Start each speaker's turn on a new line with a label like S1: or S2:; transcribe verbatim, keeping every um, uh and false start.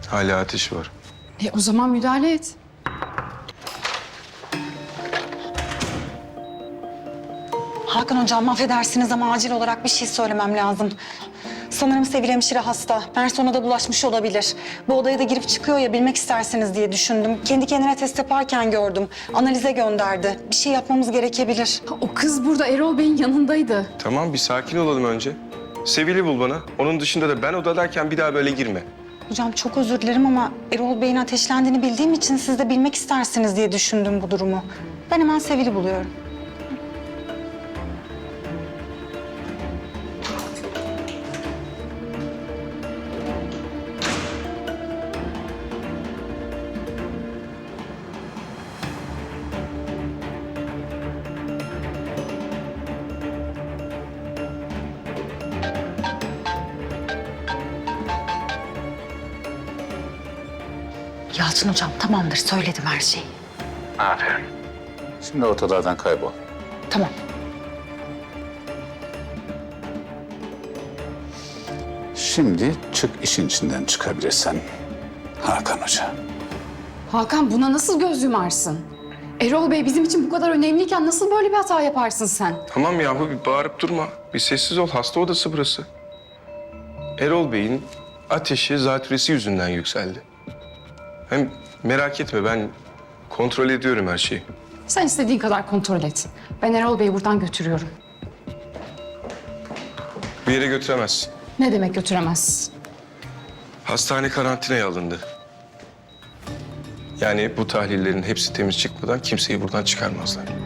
S1: Hala ateşi var.
S2: E o zaman müdahale et.
S3: Hakan hocam affedersiniz ama acil olarak bir şey söylemem lazım. Sanırım Sevil hemşire hasta. Person'a da bulaşmış olabilir. Bu odaya da girip çıkıyor ya, bilmek istersiniz diye düşündüm. Kendi kendine test yaparken gördüm. Analize gönderdi. Bir şey yapmamız gerekebilir.
S2: Ha, o kız burada Erol Bey'in yanındaydı.
S1: Tamam, bir sakin olalım önce. Sevil'i bul bana. Onun dışında da ben odadayken bir daha böyle girme.
S3: Hocam çok özür dilerim ama Erol Bey'in ateşlendiğini bildiğim için siz de bilmek istersiniz diye düşündüm bu durumu. Ben hemen Sevil'i buluyorum. Yalçın hocam tamamdır, söyledim her şeyi.
S4: Aferin. Şimdi ortalardan kaybol.
S3: Tamam.
S4: Şimdi çık, işin içinden çıkabilirsen. Hakan Hoca.
S2: Hakan, buna nasıl göz yumarsın? Erol Bey bizim için bu kadar önemliyken nasıl böyle bir hata yaparsın sen?
S1: Tamam yahu, bir bağırıp durma. Bir sessiz ol. Hasta odası burası. Erol Bey'in ateşi zatürresi yüzünden yükseldi. Hem merak etme, ben kontrol ediyorum her şeyi.
S2: Sen istediğin kadar kontrol et. Ben Erol Bey'i buradan götürüyorum.
S1: Bir yere götüremezsin.
S2: Ne demek götüremez?
S1: Hastane karantinaya alındı. Yani bu tahlillerin hepsi temiz çıkmadan kimseyi buradan çıkarmazlar.